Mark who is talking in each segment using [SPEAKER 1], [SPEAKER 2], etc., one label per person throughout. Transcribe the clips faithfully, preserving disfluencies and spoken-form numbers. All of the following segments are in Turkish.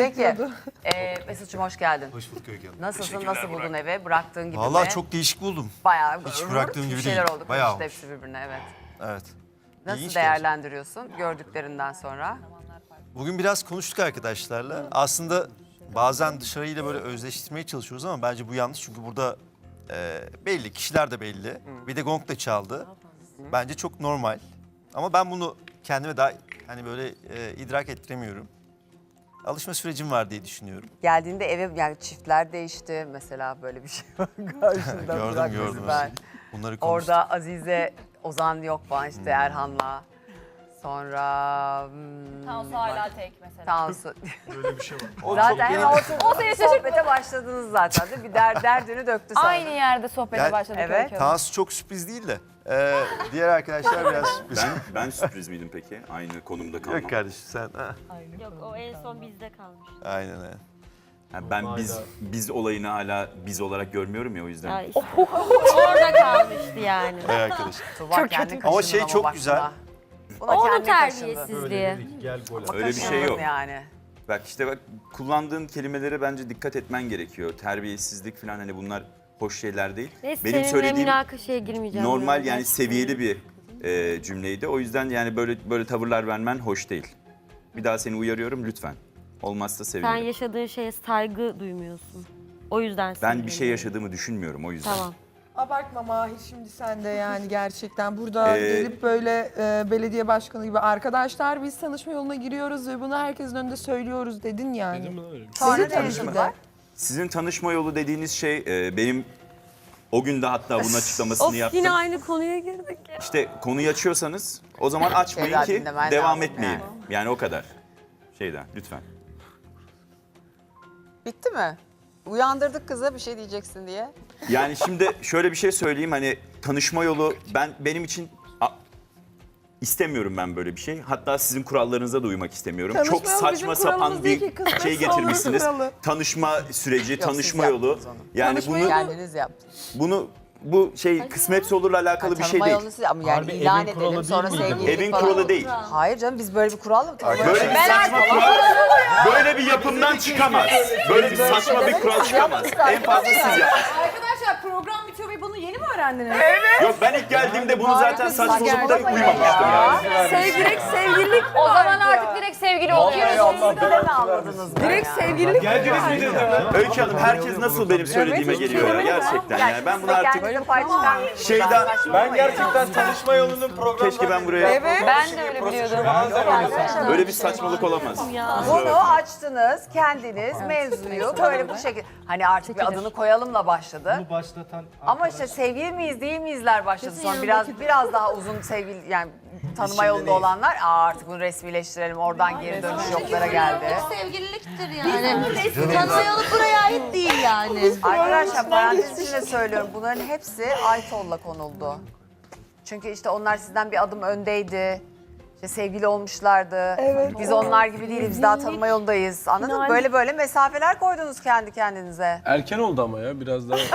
[SPEAKER 1] Peki. Ee, Mesut'cum hoş geldin.
[SPEAKER 2] Hoş bulduk Öykü Hanım.
[SPEAKER 1] Nasılsın, nasıl buldun evi? Bıraktığın gibi
[SPEAKER 2] Vallahi
[SPEAKER 1] mi?
[SPEAKER 2] çok değişik buldum.
[SPEAKER 1] Bayağı
[SPEAKER 2] Hiç bıraktığım gibi
[SPEAKER 1] bir şeyler
[SPEAKER 2] değil.
[SPEAKER 1] oldu.
[SPEAKER 2] Bayağı
[SPEAKER 1] Karıştı hepsi birbirine, evet.
[SPEAKER 2] Evet.
[SPEAKER 1] Nasıl
[SPEAKER 2] İlginç
[SPEAKER 1] değerlendiriyorsun gördüklerinden sonra?
[SPEAKER 2] gerçekten. Bugün biraz konuştuk arkadaşlarla. Aslında bazen dışarıyla böyle özleştirmeye çalışıyoruz ama bence bu yanlış. Çünkü burada e, belli, kişiler de belli. Bir de gong da çaldı. Bence çok normal. Ama ben bunu kendime daha hani böyle e, idrak ettiremiyorum. Alışma sürecim var diye düşünüyorum.
[SPEAKER 1] Geldiğinde eve yani çiftler değişti mesela, böyle bir şey var karşında.
[SPEAKER 2] Gördüm,
[SPEAKER 1] Burak,
[SPEAKER 2] gördüm.
[SPEAKER 1] Ben.
[SPEAKER 2] Bunları konuştuk.
[SPEAKER 1] Orada Azize, Ozan yok falan işte, Erhan'la. Sonra... Hmm,
[SPEAKER 3] Tansu hala tek mesela.
[SPEAKER 1] Tansu.
[SPEAKER 2] Böyle bir şey var.
[SPEAKER 1] Zaten hemen oturup
[SPEAKER 3] O seni
[SPEAKER 1] sohbete başladınız zaten değil mi? Bir der, derdini döktü sana.
[SPEAKER 3] Aynı yerde sohbete
[SPEAKER 2] Yani-
[SPEAKER 3] başladık.
[SPEAKER 1] Evet.
[SPEAKER 3] Öykü Hanım.
[SPEAKER 2] Tansu çok sürpriz değil de. e, diğer arkadaşlar biraz sürpriz.
[SPEAKER 4] Ben ben sürpriz miydim peki? Aynı konumda kalmam.
[SPEAKER 2] Yok kardeşim sen. Ha.
[SPEAKER 5] Yok o en son bizde kalmış.
[SPEAKER 2] Aynen öyle.
[SPEAKER 4] Ha, ben biz biz olayını hala biz olarak görmüyorum ya o yüzden.
[SPEAKER 5] Ya işte. Orada kalmıştı yani.
[SPEAKER 2] Evet arkadaşlar.
[SPEAKER 1] Tuğba kendini
[SPEAKER 2] Ama
[SPEAKER 1] kaşındın
[SPEAKER 2] şey çok
[SPEAKER 1] bak
[SPEAKER 2] güzel.
[SPEAKER 1] buna. Buna
[SPEAKER 5] Onun
[SPEAKER 1] kendini kaşındın.
[SPEAKER 5] terbiyesizliği.
[SPEAKER 4] Öyle bir şey
[SPEAKER 1] Kaşındın
[SPEAKER 4] yok.
[SPEAKER 1] Yani.
[SPEAKER 4] Bak işte bak kullandığın kelimelere bence dikkat etmen gerekiyor. Terbiyesizlik falan hani bunlar hoş şeyler değil.
[SPEAKER 5] Neyse
[SPEAKER 4] Benim
[SPEAKER 5] seninle
[SPEAKER 4] söylediğim
[SPEAKER 5] münakaşaya girmeyeceğim.
[SPEAKER 4] normal
[SPEAKER 5] ya.
[SPEAKER 4] yani seviyeli bir e, cümleydi. O yüzden yani böyle böyle tavırlar vermen hoş değil. Bir daha seni uyarıyorum lütfen. Olmazsa
[SPEAKER 5] Sen
[SPEAKER 4] sevinirim.
[SPEAKER 5] yaşadığın şeye saygı duymuyorsun. O yüzden
[SPEAKER 4] Ben bir
[SPEAKER 5] sinirleniyorum.
[SPEAKER 4] şey yaşadığımı düşünmüyorum o yüzden.
[SPEAKER 5] Tamam.
[SPEAKER 6] Abartma Mahir, şimdi sen de yani gerçekten burada
[SPEAKER 4] Ee,
[SPEAKER 6] gelip böyle e, belediye başkanı gibi arkadaşlar biz tanışma yoluna giriyoruz ve bunu herkesin önünde söylüyoruz dedin yani.
[SPEAKER 1] Sonra
[SPEAKER 6] Sizin
[SPEAKER 1] ne
[SPEAKER 6] tanışma-
[SPEAKER 1] yaşadılar?
[SPEAKER 4] Sizin tanışma yolu dediğiniz şey e, benim o gün de hatta bunun açıklamasını
[SPEAKER 5] Of
[SPEAKER 4] yaptım.
[SPEAKER 5] yine aynı konuya girdik ya.
[SPEAKER 4] İşte konuyu açıyorsanız o zaman açmayın
[SPEAKER 1] Şeyler
[SPEAKER 4] ki
[SPEAKER 1] dinlemen
[SPEAKER 4] devam
[SPEAKER 1] lazım
[SPEAKER 4] etmeyin.
[SPEAKER 1] yani.
[SPEAKER 4] Yani. o kadar. Şeyden lütfen.
[SPEAKER 1] Bitti mi? Uyandırdık kızı bir şey diyeceksin diye.
[SPEAKER 4] Yani şimdi şöyle bir şey söyleyeyim hani tanışma yolu ben benim için a- istemiyorum ben böyle bir şey. Hatta sizin kurallarınıza da uymak istemiyorum.
[SPEAKER 6] Tanışma
[SPEAKER 4] Çok
[SPEAKER 6] yolu
[SPEAKER 4] saçma
[SPEAKER 6] bizim
[SPEAKER 4] sapan
[SPEAKER 6] kuralımız
[SPEAKER 4] bir
[SPEAKER 6] değil ki, kısmetse
[SPEAKER 4] şey
[SPEAKER 6] olur
[SPEAKER 4] getirmişsiniz.
[SPEAKER 6] kuralı.
[SPEAKER 4] Tanışma süreci,
[SPEAKER 1] siz
[SPEAKER 4] tanışma yolu.
[SPEAKER 1] yaptınız onu.
[SPEAKER 4] Yani
[SPEAKER 6] Tanışma
[SPEAKER 4] bunu
[SPEAKER 6] yolu-
[SPEAKER 1] Kendiniz yaptınız.
[SPEAKER 4] bunu bu şey kısmetse olurla alakalı bir şey
[SPEAKER 1] Tanıma
[SPEAKER 4] değil.
[SPEAKER 1] yolunu siz ama yani ilan edelim sonra sevgililik
[SPEAKER 4] Evin
[SPEAKER 1] falan.
[SPEAKER 4] kuralı değil.
[SPEAKER 1] Hayır canım, biz böyle bir kural mı tanıyoruz?
[SPEAKER 4] Böyle bir saçma kural, böyle bir yapımdan çıkamaz. Böyle bir saçma bir kural çıkamaz. En fazla siz yapın.
[SPEAKER 3] Arkadaşlar program bitiyor ve bunu yeni mi öğrendiniz?
[SPEAKER 4] Yok ben ilk geldiğimde bunu zaten saçma olup da
[SPEAKER 1] Saçmalama
[SPEAKER 4] uymamıştım
[SPEAKER 1] ya.
[SPEAKER 4] yani.
[SPEAKER 6] Sevgilik, sevgililik
[SPEAKER 3] O zaman artık direkt sevgili oluyoruz.
[SPEAKER 1] Siz de mi anladınız?
[SPEAKER 6] direkt sevgililik
[SPEAKER 4] Öykü Hanım herkes nasıl benim söylediğime geliyor ya gerçekten yani. Ben bunu artık
[SPEAKER 1] Kendinize pay çıkarmayın.
[SPEAKER 4] şeyden
[SPEAKER 7] Ben gerçekten tanışma yolunun programı.
[SPEAKER 4] keşke ben buraya
[SPEAKER 3] Ben de öyle biliyordum.
[SPEAKER 4] böyle bir saçmalık olamaz.
[SPEAKER 1] Bunu açtınız kendiniz, mevzuyu böyle bu şekilde. Hani artık bir adını koyalımla başladı.
[SPEAKER 7] Bunu başlatan
[SPEAKER 1] Ama işte sevgili miyiz değil miyizler başladı sonra biraz biraz daha uzun sevgili yani tanıma yolunda olanlar Aa, artık bunu resmileştirelim, oradan geri dönüş yoklara geldi.
[SPEAKER 5] Sevgililiktir yani. Tanıma yolu buraya ait değil yani.
[SPEAKER 1] Arkadaşlar parantez içinde söylüyorum, bunların hepsi Aytol'la konuldu. Çünkü işte onlar sizden bir adım öndeydi. İşte sevgili olmuşlardı.
[SPEAKER 6] Evet.
[SPEAKER 1] Biz onlar gibi değiliz, biz daha tanıma yolundayız. Anladın mı? Böyle böyle mesafeler koydunuz kendi kendinize.
[SPEAKER 7] Erken oldu ama ya biraz daha.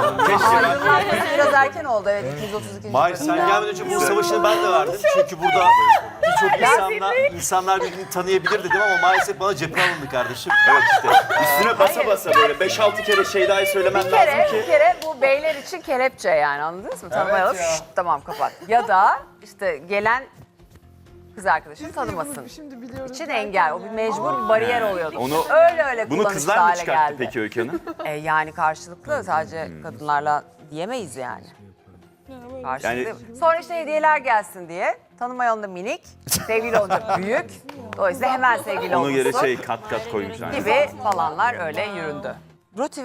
[SPEAKER 1] Ayrılmak biraz erken oldu, evet, iki yüz otuz ikinci
[SPEAKER 2] Mahir sen gelmeden önce bunun savaşını ben de verdim. Çünkü burada birçok insanlar, insanlar birbirini tanıyabilir dedim ama maalesef bana cephe alındı kardeşim.
[SPEAKER 4] Evet işte üstüne basa basa böyle beş altı kere şey daha söylemen
[SPEAKER 1] Bir kere,
[SPEAKER 4] lazım
[SPEAKER 1] bir
[SPEAKER 4] ki.
[SPEAKER 1] kere bu beyler için kelepçe yani, anladınız mı? Tanımayalım, şşt, tamam kapat. Ya da işte gelen kız arkadaşını tanımasın.
[SPEAKER 6] Şimdi biliyoruz.
[SPEAKER 1] İçin engel, o bir mecbur bir bariyer oluyordu.
[SPEAKER 4] Onu-
[SPEAKER 1] öyle öyle
[SPEAKER 4] Bunu
[SPEAKER 1] kullanışlı
[SPEAKER 4] kızlar mı
[SPEAKER 1] hale
[SPEAKER 4] çıkarttı
[SPEAKER 1] geldi.
[SPEAKER 4] peki Öykü Hanım?
[SPEAKER 1] E, yani karşılıklı, sadece kadınlarla diyemeyiz yani. Karşılıklı. Sonra işte hediyeler gelsin diye. Tanıma yolunda minik, sevgili olunca büyük. Dolayısıyla hemen sevgili
[SPEAKER 4] Onu göre
[SPEAKER 1] olmuşsun
[SPEAKER 4] şey kat kat koymuşlar.
[SPEAKER 1] gibi falanlar öyle yüründü. Ruti